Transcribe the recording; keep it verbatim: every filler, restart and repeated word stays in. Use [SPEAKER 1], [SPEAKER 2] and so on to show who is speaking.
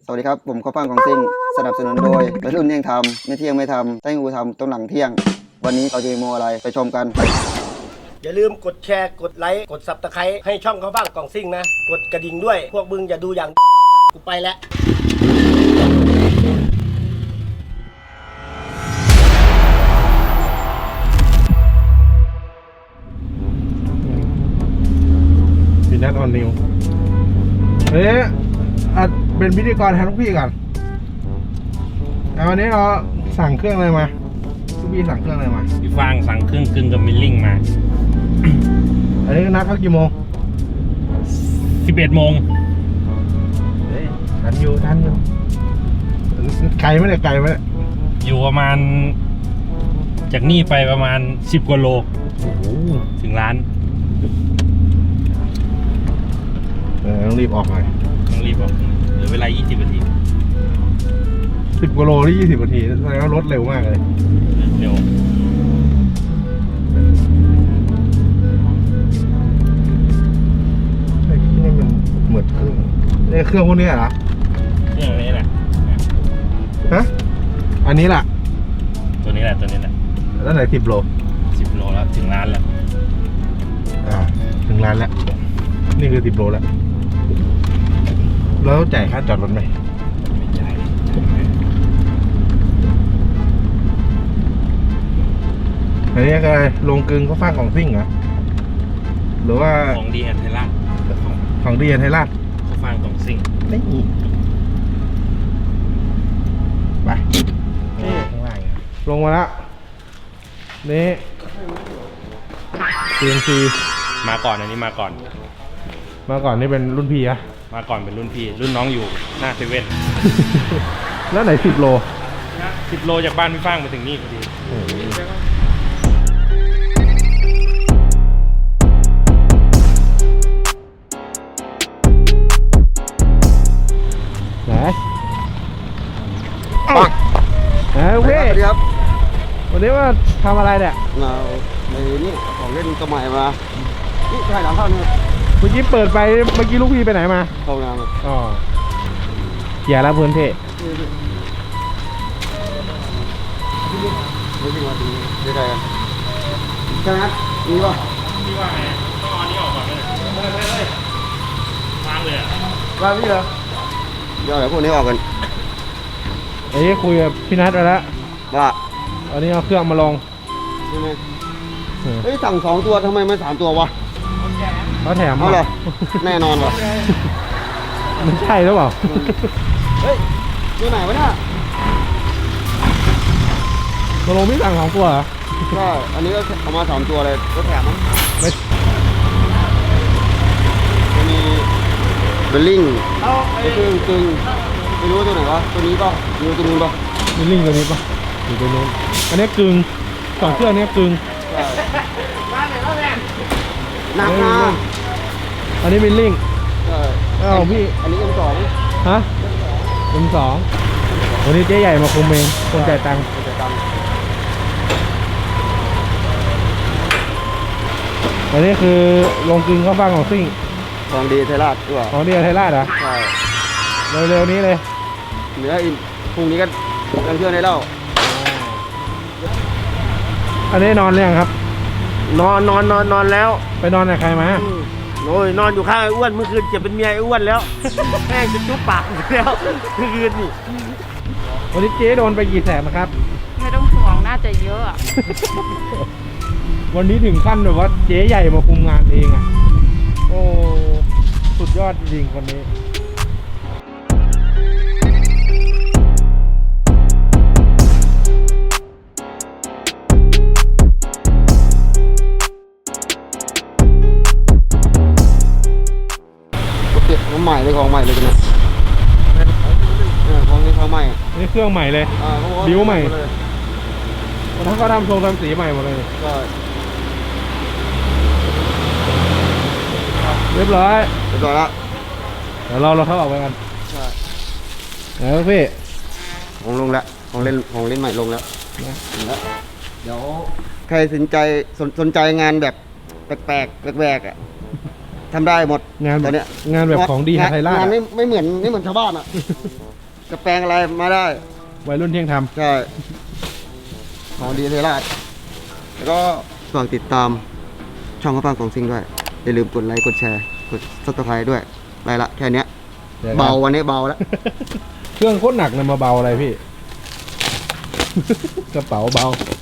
[SPEAKER 1] สวัสดีครับผมข้าวฟ่างของซิ่งสนับสนุนโดยวัยรุ่นเที่ยงทำไม่เที่ยงไม่ทำถ้างูทำต้องหลังเที่ยงวันนี้เราจะมีโมอะไรไปชมกัน
[SPEAKER 2] อย่าลืมกดแชร์กดไลค์กดซับสไครต์ให้ช่องข้าวฟ่างกล่องซิ่งนะกดกระดิ่งด้วยพวกมึงอย่าดูอย่างกูไปแล้ว
[SPEAKER 3] พี่นัทออนนิวเฮ้ยอัดเป็นพิธีกรแทนลูกพี่ก่อนวันนี้เราสั่งเครื่องอะไรมาลูกพี่สั่งเครื่องอะไรมา
[SPEAKER 4] พี่ฟางสั่งเครื่องกึ่งกับมิลลิ่งมา
[SPEAKER 3] อันนี้นัดเขากี่โมง
[SPEAKER 4] สิบเอ็ดโมง
[SPEAKER 3] เฮ้ยทันอยู่ทันอยู่ไกลไหมเนี่ยไกลไหม
[SPEAKER 4] อยู่ประมาณจากนี่ไปประมาณสิบกว่าโลโอ้โหถึงร้าน
[SPEAKER 3] เออต้องรีบออกหน่อย
[SPEAKER 4] ต้องรีบออกเหลือเวลายี่สิบนาที
[SPEAKER 3] สิบกิโลที่ยี่สิบนาทีแสดงว่ารถเร็วมากเลย
[SPEAKER 4] เร็ว
[SPEAKER 3] ไอ้ที่นี่มันเหมือนเครื่องนี่เครื่องพวกนี้เหรอ
[SPEAKER 4] นี่อย่างนี้แหละ
[SPEAKER 3] ฮะอันนี้แหละ
[SPEAKER 4] ตัวนี้แหละตัวนี้แหละ
[SPEAKER 3] แล้วไหนสิบโล
[SPEAKER 4] สิบโลแล้วถึงร้านแล้ว
[SPEAKER 3] อ่าถึงร้านแล้วนี่คือสิบโลแล้วแล้วจ่ายค่าจอดรถไหม
[SPEAKER 4] ไม่จ่ายเลย
[SPEAKER 3] อันนี้ก็ลงกึงเขาฟางของซิ่งเหรอหรือว่า
[SPEAKER 4] ของดีแอนไทยราชของ
[SPEAKER 3] ของดีไทยราช
[SPEAKER 4] เขาฟางของซิ่ง
[SPEAKER 3] นี่ไปข้างล่างลงมาแล้วนี่ซี เอ็น ซี
[SPEAKER 4] มาก่อนอันนี้มาก่อน
[SPEAKER 3] มาก่อนนี่เป็นรุ่นพี่อะ
[SPEAKER 4] มาก่อนเป็นรุ่นพี่รุ่นน้องอยู่หน้าเซเว่น
[SPEAKER 3] แล้วไหนสิบโล
[SPEAKER 4] สิบโลจากบ้านพี่ฟางมาถึงนี่พอดี
[SPEAKER 3] ไหนปังเฮ้ย
[SPEAKER 1] สวัสดีครับ
[SPEAKER 3] วันนี้ว่าทำอะไรเนี่ย
[SPEAKER 1] เราในนี่ของเล่นตัวใหม่มานี่ใช่หลังเข้านี่
[SPEAKER 3] เมื่อกี้เปิดไปเมื่อกี้ลูกพี่ไปไหนมา
[SPEAKER 1] เข้างาน
[SPEAKER 3] อ๋ออย่าละเพื่อนเท
[SPEAKER 1] ไม่ใช่ว่าดีได้ไงกันใช่ไหมนี่ป่ะ
[SPEAKER 4] พี่ว่าไงต้องเอาอันนี้ออกก่อนเลยไม่ไม่ไม่วางเลยอ่ะ
[SPEAKER 1] ว่าพี่เหรอเดี๋ยวเดี๋ยวพวกนี้ออกกัน
[SPEAKER 3] เอ้ยคุยกับพี่นัทไปแล้ว
[SPEAKER 1] ว่า
[SPEAKER 3] วันนี้เอาเครื่องมาลง
[SPEAKER 1] ใช่ไหมเฮ้ยสั่งสองตัวทำไมไม่สามตัววะ
[SPEAKER 3] เขาแถม
[SPEAKER 1] เอาเหรอแน่นอนวะ
[SPEAKER 3] มันใช่หรือเปล่า
[SPEAKER 1] เฮ้ยตัวไหนวะเนี่ย
[SPEAKER 3] มาลงพี่สั่งสองตัวเหรอ
[SPEAKER 1] ใช่อันนี้ก็เอามาสามตัวเลยก็แถมมั้ง
[SPEAKER 3] ไม่
[SPEAKER 1] จะมีเบลลิงตึงตึงไม่รู้ว่าตัวไหนวะตัวนี้ก็อยู่ตัวนู้นปะ
[SPEAKER 3] มีลิงก์ตัวนี้ปะอยู่ตัวนู้นอันนี้กึ่งสองเครื่องนี้กึ่ง
[SPEAKER 1] ใช่หนักนะ
[SPEAKER 3] อันนี้เป็นลิงก์
[SPEAKER 1] ใช่
[SPEAKER 3] อ้าวพี่
[SPEAKER 1] อันนี้เอ็มสอง
[SPEAKER 3] ฮะเป็นสองวันนี้เจ๊ใหญ่มาคุมเองคนจ่ายตังค์
[SPEAKER 1] จะตังค์
[SPEAKER 3] อันนี้คือลงกึ่งเข้าบ้างของซิ่ง
[SPEAKER 1] ของดีไทยราชด้วย
[SPEAKER 3] ของเดียไทยราชเหรอ
[SPEAKER 1] ใช่
[SPEAKER 3] เร็วๆนี้เลย
[SPEAKER 1] เหลืออีกพรุ่งนี้ก็เรื่องเชื่อได้แล้ว
[SPEAKER 3] อันนี้นอนเรื่องครับ
[SPEAKER 2] นอนนอนนอนนอนแล้ว
[SPEAKER 3] ไปนอนกับใครมา
[SPEAKER 2] โอ้ยนอนอยู่ข้างไอ้อ้วนเมื่อคืนจะเป็นเมียไอ้อ้วนแล้วแม่งจะจุ๊บปากอยู่แล้วเมื่อคืนนี่
[SPEAKER 3] วันนี้เจ๊โดนไปกี่แสนนะครับ
[SPEAKER 5] ไม่ต้องห่วงน่าจะเยอะอะ
[SPEAKER 3] วันนี้ถึงขั้นแบบว่าเจ๊ใหญ่มาคุมงานเองอ่ะ โอ้สุดยอดจริงๆคนนี้
[SPEAKER 1] เก็บของใหม่เลยของใหม่เลยกันนะเออของนี้ของใหม่
[SPEAKER 3] นี่เครื่องใหม่เลย
[SPEAKER 1] อ่าเขาบอกา
[SPEAKER 3] บิ้วใหม่
[SPEAKER 1] เลย
[SPEAKER 3] วันนั้นเขาทำทรงทำสีใหม่หมดเลย
[SPEAKER 1] ใช่
[SPEAKER 3] เรียบร้อย
[SPEAKER 1] เรียบร้อยละ
[SPEAKER 3] เดี๋ยวเราเราเข้าออกไปกัน
[SPEAKER 1] ใช่
[SPEAKER 3] แล้วพี่
[SPEAKER 1] ของลงแล้วของเล่นของเล่นใหม่ลงแล้วลงแล้วเดี๋ยวใครสนใจสนสนใจงานแบบแปลกๆแหวกๆอ่ะทำได้หมด
[SPEAKER 3] งานแบ
[SPEAKER 1] ต
[SPEAKER 3] บ
[SPEAKER 1] อนเนี้ย
[SPEAKER 3] งานแบบของดีไทยราช
[SPEAKER 1] งาน
[SPEAKER 3] อะ
[SPEAKER 1] ไม่ไม่เหมือนไม่เหมือนชาวบ้านอ่ะจะแปลงอะไรมาได้
[SPEAKER 3] วัยรุ่นเที่ยงธรรม
[SPEAKER 1] ใช่ของดีเทราชแล้วก็ฝากติดตามช่องข้าวฟ่างของซิ่งด้วย อย่าลืมกดไลค์ กดแชร์ กดซับสไครต์ด้วยไปละแค่เนี้ย
[SPEAKER 3] ดี๋ยวนะ
[SPEAKER 1] เบาวันนี้เบาแล้ว
[SPEAKER 3] เครื่องโคตรหนักเลยมาเบาอะไรพี่ กระเป๋าเบา